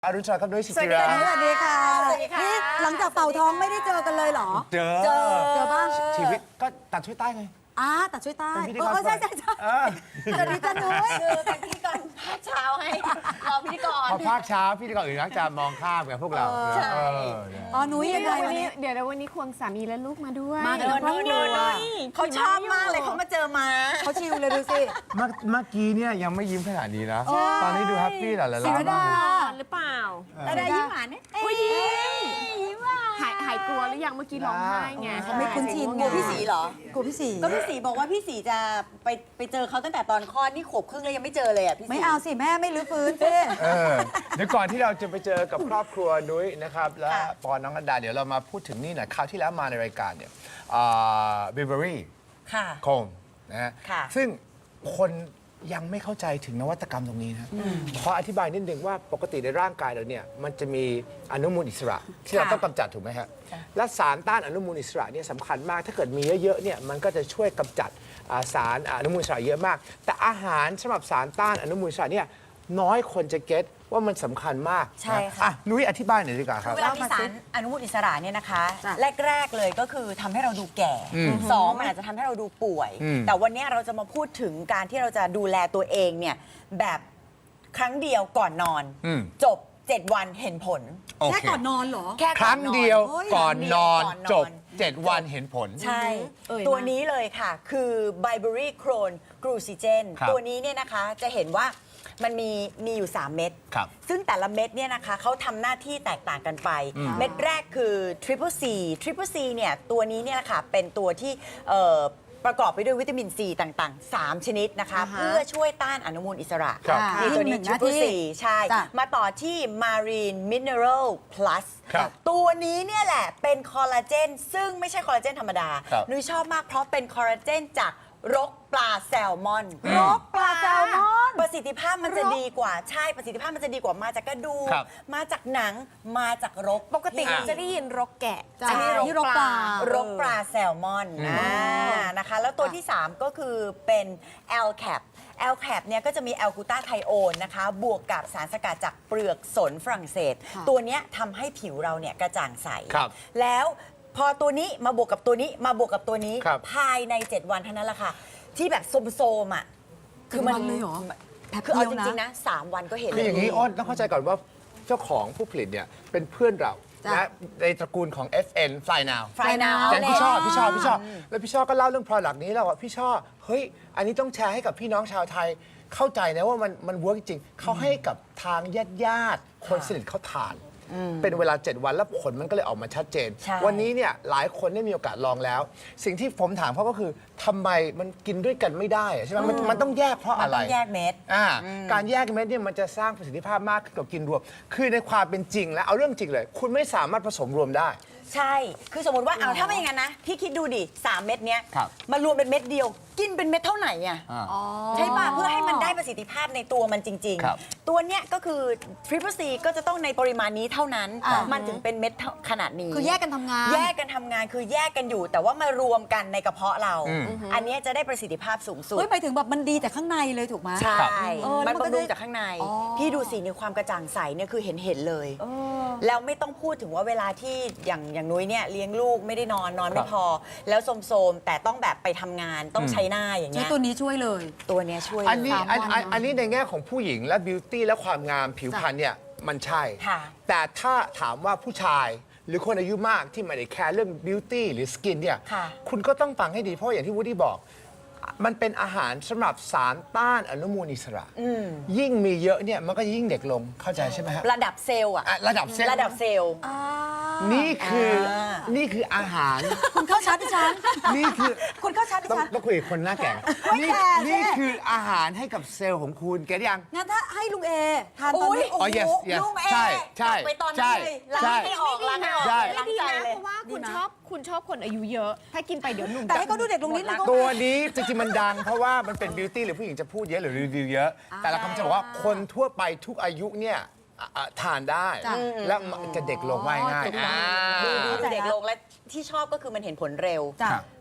อรุณสวัสดิ์ครับด้วยสิจิราสวัสดีค่ะนี่หลังจากเป่าท้องไม่ได้เจอกันเลยเหรอเจอบ้างชีวิตก็ตัดช่วยใต้ไงแต่ช่วยใต้เป็นพิธีกรใช่ สวัสดีจ้านุ้ยคือเป็นพิธีกรภาคเช้าให้รอพิธีกรพอภาคเช้าพี่ดีกว่าอื่นนักจะมองข้ามกับพวกเราใช่นุ้ยยังไงวันนี้เดี๋ยววันนี้ควงสามีและลูกมาด้วยมากันทั้งครอบครัวเขาชอบมากเลยเขามาเจอมาเขาชิลเลยดูสิเมื่อกี้เนี่ยยังไม่ยิ้มขนาดนี้นะ ตอนนี้ดูแฮปปี้หล่ะละศิรดาหรือเปล่าแต่ได้ยิ้มหวานเนี่ยยิ้มหวานหายกลัวหรือยังเมื่อกี้ร้องไห้ไงเขาไม่คุ้นชินกลัวพี่สีเหรอกลัวพี่สีก็พี่สีบอกว่าพี่สีจะไปเจอเขาตั้งแต่ตอนคลอดนี่ขวบครึ่งแล้วยังไม่เจอเลยอ่ะพี่สีไม่เอาสิแม่ไม่รื้อฟื้นสิเดี๋ยวก่อนที่เราจะไปเจอกับครอบครัวนุ้ยนะครับและปอนน้องอดาเดี๋ยวเรามาพูดถึงนี่หน่อยคราวที่แล้วมาในรายการเนี่ยบิลเบอรี่ค่ะโคมนะฮะค่ะซึ่งคนยังไม่เข้าใจถึงนวัตกรรมตรงนี้นะขออธิบายนิดนึงว่าปกติในร่างกายเราเนี่ยมันจะมีอนุมูลอิสระ ที่เราต้องกำจัดถูกไหมฮะและสารต้านอนุมูลอิสระเนี่ยสำคัญมากถ้าเกิดมีเยอะๆเนี่ยมันก็จะช่วยกำจัดสารอนุมูลอิสระเยอะมาก แต่อาหารสำหรับสารต้านอนุมูลอิสระเนี่ยน้อยคนจะเก็ตว่ามันสำคัญมากใช่ค่ะนุ้ยอธิบายหน่อยดีกว่าครับเวลามีสารอนุมูลอิสระเนี่ยนะคะ แรก ๆ เลยก็คือทำให้เราดูแก่สองมันอาจจะทำให้เราดูป่วย แต่วันนี้เราจะมาพูดถึงการที่เราจะดูแลตัวเองเนี่ยแบบครั้งเดียวก่อนนอน จบ 7 วันเห็นผลโอเคแค่ก่อนนอนเหรอแค่ครั้งเดียวโอ้ยก่อนนอนก่อนนอนจบ 7 วันเห็นผลใช่ ตัวนี้เลยค่ะ คือ Bilberry Crohn Glucogen ครับตัวนี้เนี่ยนะคะจะเห็นว่ามันมีอยู่ 3 เม็ดครับซึ่งแต่ละเม็ดเนี่ยนะคะเขาทำหน้าที่แตกต่างกันไป เม็ดแรกคือ Triple C Triple C เนี่ยตัวนี้เนี่ยนะคะเป็นตัวที่ประกอบไปด้วยวิตามินซีต่างๆ 3 ชนิดนะคะ เพื่อช่วยต้านอนุมูลอิสระครับนี่ตัวนี้หนึ่งหน้า Triple C ที่ใช่จ้ะมาต่อที่ Marine Mineral Plus ครับตัวนี้เนี่ยแหละเป็นคอลลาเจนซึ่งไม่ใช่คอลลาเจนธรรมดาครับนุ้ยชอบมากเพราะเป็นคอลลาเจนจากรกปลาแซลมอนรกปลาแซลมอนประสิทธิภาพมันจะดีกว่าใช่ประสิทธิภาพมันจะดีกว่ามาจากกระดูกครับมาจากหนังมาจากรกปกติเราจะได้ยินรกแกะจ้ะอันนี้นี่รกปลารกปลาแซลมอนนะคะแล้วตัวที่ 3 ก็คือเป็น LCAP LCAP เนี่ยก็จะมีแอลกูตาไทโอนนะคะบวกกับสารสกัดจากเปลือกสนฝรั่งเศส ตัวเนี้ยทำให้ผิวเราเนี่ยกระจ่างใสครับแล้วพอตัวนี้มาบวกกับตัวนี้มาบวกกับตัวนี้ครับภายใน 7 วันเท่านั้นแหละค่ะ ที่แบบโซมๆอ่ะ 7 วันเลยเหรอคือเอาแป๊บจเดียวนะริงๆนะ 3 วันก็เห็นคืออย่างนี้นี้อ้นต้องเข้าใจก่อนว่าเจ้าของผู้ผลิตเนี่ยเป็นเพื่อนเราจ้ะนะในตระกูลของ FN Fly Now ฟรายนาวแกงพี่ชอบแล้วพี่ชอบก็เล่าเรื่อง product นี้แล้วว่าพี่ชอบเฮ้ยอันนี้ต้องแชร์ให้กับพี่น้องชาวไทยเข้าใจนะว่ามันเวิร์กจริงเขาให้กับทางญาติคนสนิทเขาทาน เป็นเวลา 7 วันแล้วผลมันก็เลยออกมาชัดเจนใช่วันนี้เนี่ยหลายคนได้มีโอกาสลองแล้ว สิ่งที่ผมถามเขาก็คือทำไมมันกินด้วยกันไม่ได้อะใช่ไหมมันต้องแยกเพราะมันอะไรต้องแยกเม็ดการแยกเม็ดเนี่ยมันจะสร้างประสิทธิภาพมากขึ้นกว่ากินรวม คือในความเป็นจริงแล้วเอาเรื่องจริงเลย คุณไม่สามารถผสมรวมได้ใช่ คือสมมติว่าเอาถ้าไม่อย่างนั้นนะ พี่คิดดูดิ 3 เม็ดเนี้ยครับมารวมเป็นเม็ดเดียว กินเป็นเม็ดเท่าไหร่อ่ะ ใช่ป่ะ เพื่อให้มันได้ประสิทธิภาพในตัวมันจริงครับๆ ตัวเนี้ยก็คือ Triple C ก็จะต้องในปริมาณนี้เท่านั้น มันถึงเป็นเม็ดขนาดนี้คือแยกกันทำงานแยกกันทำงานคือแยกกันอยู่ แต่ว่ามารวมกันในกระเพาะเรา อันเนี้ยจะได้ประสิทธิภาพสูงสุดเฮ้ยหมายถึงแบบมันดีแต่ข้างในเลยถูกไหมใช่เออแล้มัวน มันก็บำรุงได้จากข้างในอ๋อพี่ดูสิในความกระจ่างใสเนี่ยคือเห็นเลย แล้วไม่ต้องพูดถึงว่าเวลาที่อย่างนุ้ยเนี่ยเลี้ยงลูกไม่ได้นอนไม่พอ แล้วโสมๆแต่ต้องแบบไปทำงานต้องใช้หน้าอย่างใช้เงี้ยตัวนี้ช่วยเลยตัวเนี้ยช่วยอันนี้เลยอันนี้ในแง่ของผู้หญิงและบิวตี้และความงามผิวพรรณเนี่ยมันใช่ค่ะแต่ถ้าถามว่าผู้ชายหรือคนอายุมากที่ไม่ได้แคร์เรื่องบิวตี้หรือสกินเนี่ยค่ะคุณก็ต้องฟังให้ดีเพราะอย่างที่วูดดี้บอก มันเป็นอาหารสำหรับสารต้านอนุมูลอิสระ ยิ่งมีเยอะเนี่ยมันก็ยิ่งเด็กลงเข้าใจใช่ไหมฮะระดับเซลล์อะอ่ะระดับเซลล์ระดับเซลล์นี่คือนี่คืออาหารคุณเข้าชัดดิฉันนี่คือคุณเข้าชัดดิต้องฉันต้องคุยกับคนหน้าแก่นี่แก่สินี่คืออาหารให้กับเซลล์ของคุณแกได้ยังงั้นถ้าให้ลุงเอทานตอนนี้โอ้อ๋อ yes yes ลุงเอใช่ใช่กลับไปตอนนั้นใช่เลยล้างใช่ไม่ออกล้างไม่ออกใช่ล้างดีใจนะเลยเพราะว่าคุณชอบคนอายุเยอะ ถ้ากินไปเดี๋ยวหนุ่มแต่ให้เขาดูเด็กลงนิดนึงก็ตัวนี้จริงๆมันดังเพราะว่ามันเป็นบิวตี้หรือผู้หญิงจะพูดเยอะหรือรีวิวเยอะ แต่เราคำจะบอกว่าคนทั่วไปทุกอายุเนี่ยทานได้จ้ะและมันจะเด็กลงง่ายง่ายถูกต้องดูเด็กลงและที่ชอบก็คือมันเห็นผลเร็วจ้ะ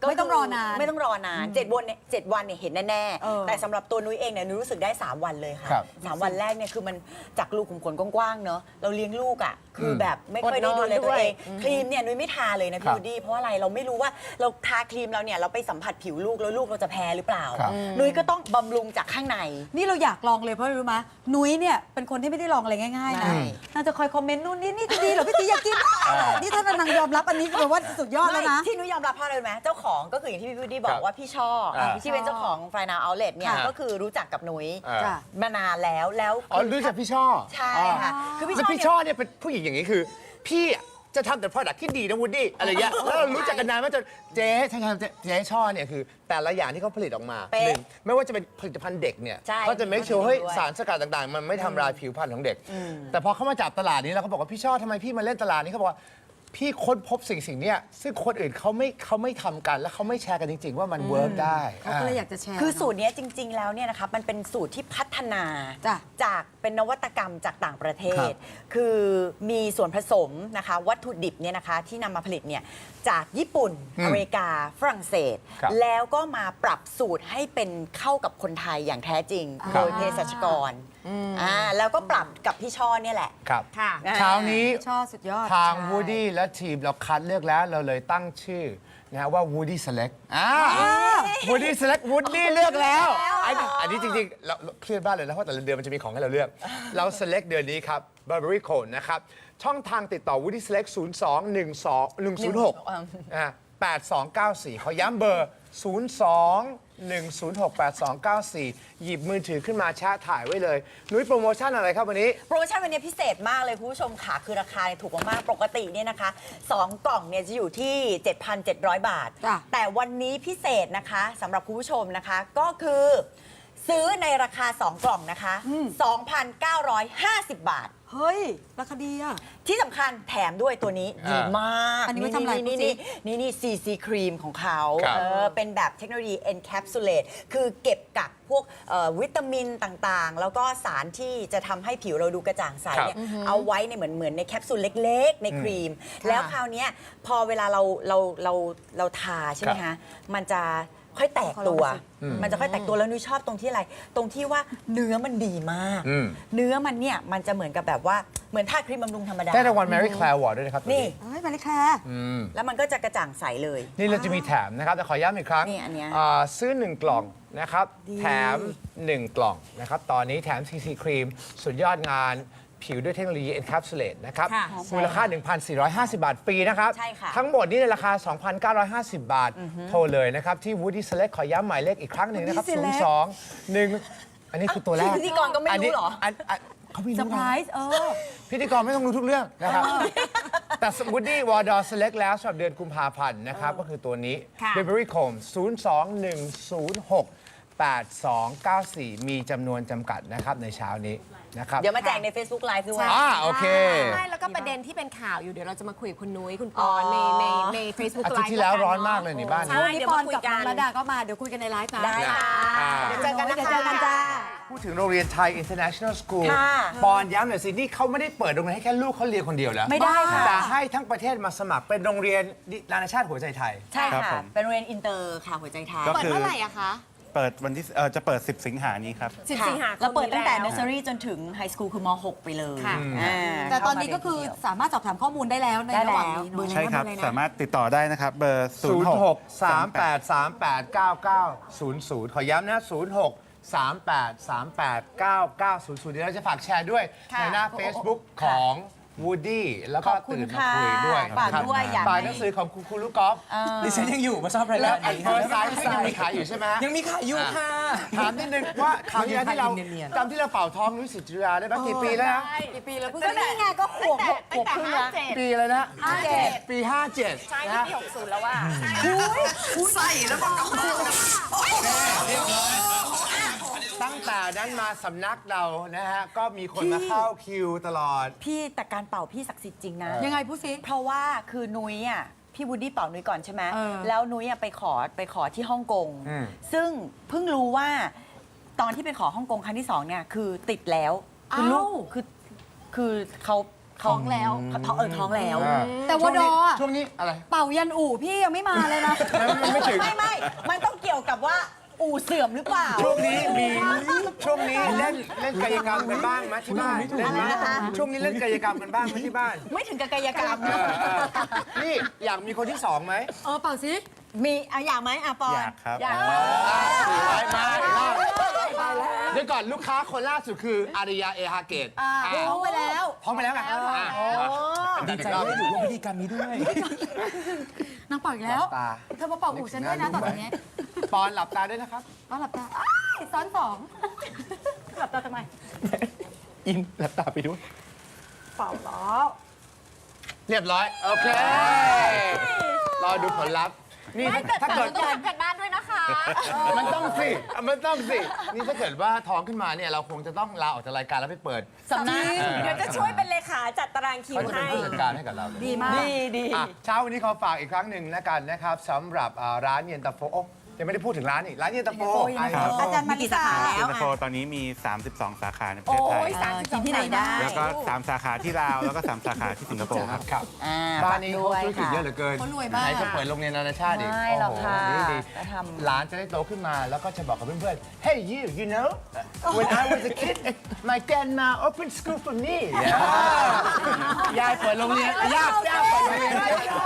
ไม่ต้องรอนานไม่ต้องรอนาน7 วันเนี่ย7 วันเนี่ยเห็นแน่เออๆแต่สำหรับตัวนุ้ยเองเนี่ยนุ้ยรู้สึกได้ 3 วันเลยค่ะครับ 3 วันแรกเนี่ยคือมันจากรูขุมขนกว้างๆเนอะเราเลี้ยงลูกอ่ะคือแบบไม่ค่อยได้ดูแลตัวเองครีมเนี่ยนุ้ยไม่ทาเลยนะครัพี่บวูดดี้เพราะอะไรเราไม่รู้ว่าเราทาครีมเราเนี่ยเราไปสัมผัสผิวลูกแล้วลูกเราจะแพ้หรือเปล่าครับนุ้ยก็ต้องบำรุงจากข้างในนี่เราอยากลองเลยเพราะอะไรรู้ไหมนุ้ยเนี่ยเป็นคนที่ไม่ได้ลองอะไรง่ายๆนะไม่น่าจะคอยคอมเมนต์นู่นนี่จะดีเหรอพี่ตีอยากกินนี่ถ้านางยอมรับอันนี้แปลว่าสุดยอดแล้วนะไม่ที่นุ้ยยอมรับเพราะอะไรรู้ไหมเจ้าของก็คืออย่างที่พี่พูดดี้บอครักบว่าพี่ช่อ ที่เป็นเจ้าของฟรายนาเอาเลตเนี่ยครับก็คือรู้จักกับนุ้ยจ้ะมานานแล้วอ๋อรู้จักพี่ช่อใช่ค่ะคือพี่แล้วช่อพี่เนี่ยช่อเนี่ยเป็นผู้หญิงอย่างนี้คือ พี่จะทำแต่ product ที่ดีนะวูดดี้อะไรเงี้ยแล้วเรารู้จักกันนานมากจนเจ๊ใช่ครับเจ๊ช่อเนี่ยคือ แต่ละอย่างที่เขาผลิตออกมาเป๊ะหนึ่งไม่ว่าจะเป็นผลิตภัณฑ์เด็กเนี่ยใช่เขาจะ make sure เฮ้ยด้วยสารสกัดต่างๆ มันไม่ทำลายผิวพรรณของเด็ก แต่พอเขามาจับตลาดนี้แล้วเขาบอกว่าพี่ช่อทำไมพี่มาเล่นตลาดนี้เขาบอกว่าพี่ค้นพบสิ่งเนี้ยซึ่งคนอื่นเขาไม่ทำกันและเขาไม่แชร์กันจริง ๆ ว่ามันเวิร์กได้เขาก็เลยอยากจะแชร์คือเนอะสูตรเนี้ยจริง ๆ แล้วเนี่ยนะคะมันเป็นสูตรที่พัฒนาจ้ะจากเป็นนวัตกรรมจากต่างประเทครัศบคือมีส่วนผสมนะคะวัตถุดิบเนี่ยนะคะที่นำมาผลิตเนี่ยจากญี่ปุ่น อเมริกาฝรั่งเศสครับแล้วก็มาปรับสูตรให้เป็นเข้ากับคนไทยอย่างแท้จริงครัโดบยเภสัชกรแล้วก็ปรับกับพี่ช่อเนี่ยแหละครับค่ะเช้านี้ชอบสุดยอดทางใช่วูดดี้และทีมเราคัดเลือกแล้วเราเลยตั้งชื่อนะฮะว่า Woody Select Woody Select Woody เลือกแล้วอันนี้จริงๆเราเครียดบ้างเลยนะเพราะแต่ละเดือนมันจะมีของให้เราเลือก เรา Select เดือนนี้ครับ Burberry Code นะครับ ช่องทางติดต่อ Woody Select 8294 ขอย้ำเบอร์ 02-106-8294 หยิบมือถือขึ้นมาแชะถ่ายไว้เลย นุ้ยโปรโมชั่นอะไรครับวันนี้โปรโมชั่นวันนี้พิเศษมากเลยคุณผู้ชมค่ะคือราคาเนี่ยถูกมากๆปกติเนี่ยนะคะ2 กล่องเนี่ยจะอยู่ที่ 7,700 บาทจ้ะแต่วันนี้พิเศษนะคะสำหรับคุณผู้ชมนะคะก็คือ ซื้อในราคา 2 กล่องนะคะ 2,950 บาทเฮ้ย ราคาดีอ่ะที่สำคัญแถมด้วยตัวนี้ดีมากอันนี้ไว้ทำอะไรนี่พูดสินี่ CC ครีมของเขาครับเป็นแบบเทคโนโลยี encapsulate คือเก็บกักพวกวิตามินต่างๆ แล้วก็สารที่จะทำให้ผิวเราดูกระจ่างใสเนี่ยเอาไว้ในเหมือนในแคปซูลเล็กๆ ในครีม แล้วคราวเนี้ยพอเวลาเราทาใช่ไหมครัคะบมันจะค่อยแตกตัวขอลองดูสิมันจะค่อยแตกตัวแล้วนุ้ยชอบตรงที่อะไร ตรงที่ว่าเนื้อมันดีมาก เนื้อมันเนี่ยมันจะเหมือนกับแบบว่าเหมือนทาครีมบำรุงธรรมดาได้รางวัล Mary Claire Award ด้วยนะครับนี่เฮ้ย มาเลยค่ะแล้วมันก็จะกระจ่างใสเลยนี่เราจะมีแถมนะครับ แต่ขอย้ำอีกครั้งนี่อันเนี้ยซื้อ 1 กล่องนะครับ แถม 1 กล่องนะครับ ตอนนี้แถม CC ครีม สุดยอดงานผิวด้วยเทคโนโลยี Encapsulate นะครับค่ะมูลค่า 1,450 บาทฟรีนะครับใช่ค่ะทั้งหมดนี้ในราคา 2,950 บาท โทรเลยนะครับ ที่ Woody Select ขอย้ำหมายเลขอีกครั้งหนึ่งนะครับ Woody Select 02-1 อันนี้คือตัวแรกพิธีกรก็ไม่รู้เหรอเขาไม่เซอรู้ร์ไพรนะส์พิธีกรไม่ต้องรู้ทุกเรื่องนะครับ แต่ Woody Wardor Select แล้วสำหรับเดือนกุมภาพันธ์นะครับ ก็คือตัวนี้ค่ะ Burberry Comb 02-106-8294 มีจำนวนจำกัดนะครับในเช้านี้นะครับเดี๋ยวมาแจกใน Facebook Live ด้วยโอเคใช่แล้วก็ประเด็นที่เป็นข่าวอยู่เดี๋ยวเราจะมาคุยกับคุณนุ้ยคุณปอนใน Facebook อาทิตย์ Live ที่แล้วกัร้อนมากเลยในบ้านใช่นี่เดี๋ยวปอมาน คุยกับกัน้อน งระดาก็มา เดี๋ยวคุยกันในไลฟ์นะได้ค่ะเดี๋ยวเจอกันนะคะเดี๋ยวเจอกันจ้าพูดถึงโรงเรียนไทย International School ค่ะปอนย้ำหน่อยสิ นี่เขาไม่ได้เปิดโรงเรียนให้แค่ลูกเขาเรียนคนเดียวแล้วไม่ได้ค่ะแต่ให้ทั้งประเทศมาสมัครเป็นโรงเรียนนานาชาติหัวใจไทยใช่ครับค่ะผมเป็นโรงเรียนอินเตอร์ค่ะหัวใจไทยก็เปิดคือเมื่อไหร่อะคะเปิดวันที่จะเปิด 10 สิงหานี้ครับ 10 สิงหาคมเราเปิดตั้งแต่นี้ nursery จนถึงไฮสคูลคือม .6 ไปเลยค่ะแต่ตอนนี้ก็คือสามารถสอบถามข้อมูลได้แล้วในระหว่างนี้ได้แล้วเนอะใช่ครับ สามารถติดต่อได้นะครับ เบอร์ 06-3838-9900 ขอย้ำนะ 06-3838-9900 เดี๋ยวเราจะฝากแชร์ด้วยค่ะในหน้า Facebook ของ Woody แล้วก็ขอบคุณตื่นมาคุยด้วยค่ะฝากด้วยอยากฝากให้หนังสือของคุณลูกกอล์ฟดิฉันยังอยู่มาชอบรายแล้กาว รไอ้เฟอร์ไซส์ยังมีขายอยู่ใช่ไหมฮะยังมีขายอยู่ค่ะถามนิดนึงว่าคราวที่แล้วที่เราเนียนจำที่เราเป่าท้องนุ้ยศิจิราได้ไหมกี่ปีแล้วนะกี่ปีแล้วเพิ่งนี่ไงก็ขวบตั้งแต่57 ปีอะไรนะ 57 ปี 57 ใช่นะปี60แล้วว่าตั้งแต่นั้นมาสำนักเรานะฮะ ก็มีคนมาเข้าคิวตลอดพี่แต่การเป่าพี่ศักดิ์สิทธิ์จริงนะยังไงพูดสิเพราะว่าคือนุ้ยอ่ะพี่วูดดี้เป่านุ้ยก่อนใช่ไหมเออแล้วนุ้ยอ่ะไปขอที่ฮ่องกงอืมซึ่งเพิ่งรู้ว่าตอนที่ไปขอฮ่องกงครั้งที่ 2เนี่ยคือติดแล้วคือลูกคือเขาท้องแล้วท้องแล้วแต่วดออะช่วงนี้อะไรเป่ายันอู่พี่ยังไม่มาเลยนะมันไม่ถึงไม่มันต้องเกี่ยวกับว่าอู่เสื่อมหรือเปล่าช่วงนี้เล่นกายกรรมกันบ้างไหมที่บ้านเล่นไหมอะไรนะคะช่วงนี้เล่นกายกรรมกันบ้างไหมที่บ้านไม่ถึงกับกายกรรมนะนี่อยากมีคนที่สองไหมเป่าสิมีอยากไหมปอนอยากครับอยากมาเดี๋ยวก่อนลูกค้าคนล่าสุดคืออาริยาเอฮาเกตท้องไปแล้วพร้อมไปแล้วไงดีใจที่ได้อยู่ร่วมพิธีกรรมนี้ด้วยนางเป่าอีกแล้วตาเธอมาเป่าอู่ฉันด้วยนะต่อจากนี้ปอนหลับตาด้วยนะครับป้าหลับตาอ้ายซ้อนสองหลับตาทำไมอินหลับตาไปด้วยเป่าล้อเรียบร้อย โอเค รอดูผลลัพธ์นี่ถ้าเกิดต้องทำกันบ้านด้วยนะคะมันต้องสิ นี่ถ้าเกิดว่าท้องขึ้นมาเนี่ยเราคงจะต้องลาออกจากรายการแล้วไปเปิดสำนักเดี๋ยวจะช่วยเป็นเลขาจัดตารางคิวเขาจะเป็นให้ผู้จัดการให้กับเราดีมากดีอ่ะเช้าวันนี้ขอฝากอีกครั้งหนึ่งแล้วกันนะครับสำหรับร้านเย็นตาโฟโอ้ยังไม่ได้พูดถึงร้านอีกร้านเย็นตาโฟอาจารย์มาริสาเย็นตาโฟตอนนี้มี 32 สาขาในประเทศไทยกินที่ไหนได้แล้วก็ 3 สาขาที่ลาว แล้วก็ 3 สาขาที่สิงคโปร์ครับครับ บ้านนี้เขาธุรกิจเยอะเหลือเกินเขารวยมากไหนจะเปิดโรงเรียนนานาชาติอีกไม่หรอกค่ะโอ้โหดีจะทำหลานจะได้โตขึ้นมาแล้วก็จะบอกกับเพื่อนๆ Hey you know when I was a kid my grandma opened school for me ยายเปิดโรงเรียนย่าเปิดโรงเรียน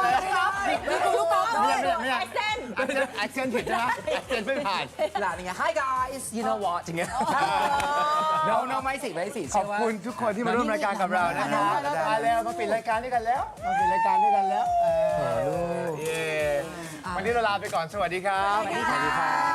ไม่ใช่แอคเซนต์ผิดใช่ไหมแอคเซนต์ไม่ผ่านหลานอย่างเงี้ย Hi guys you know what อย่างเงี้ย no ไม่สิขเชื่อบว่าคุณทุกคนที่มาร่วมรายการกับเรานะครับมาแล้วมาปิดรายการด้วยกันแล้วมาปิดรายการด้วยกันแล้วเย้วันนี้เราลาไปก่อนสวัสดีครับสวัสดีค่ะ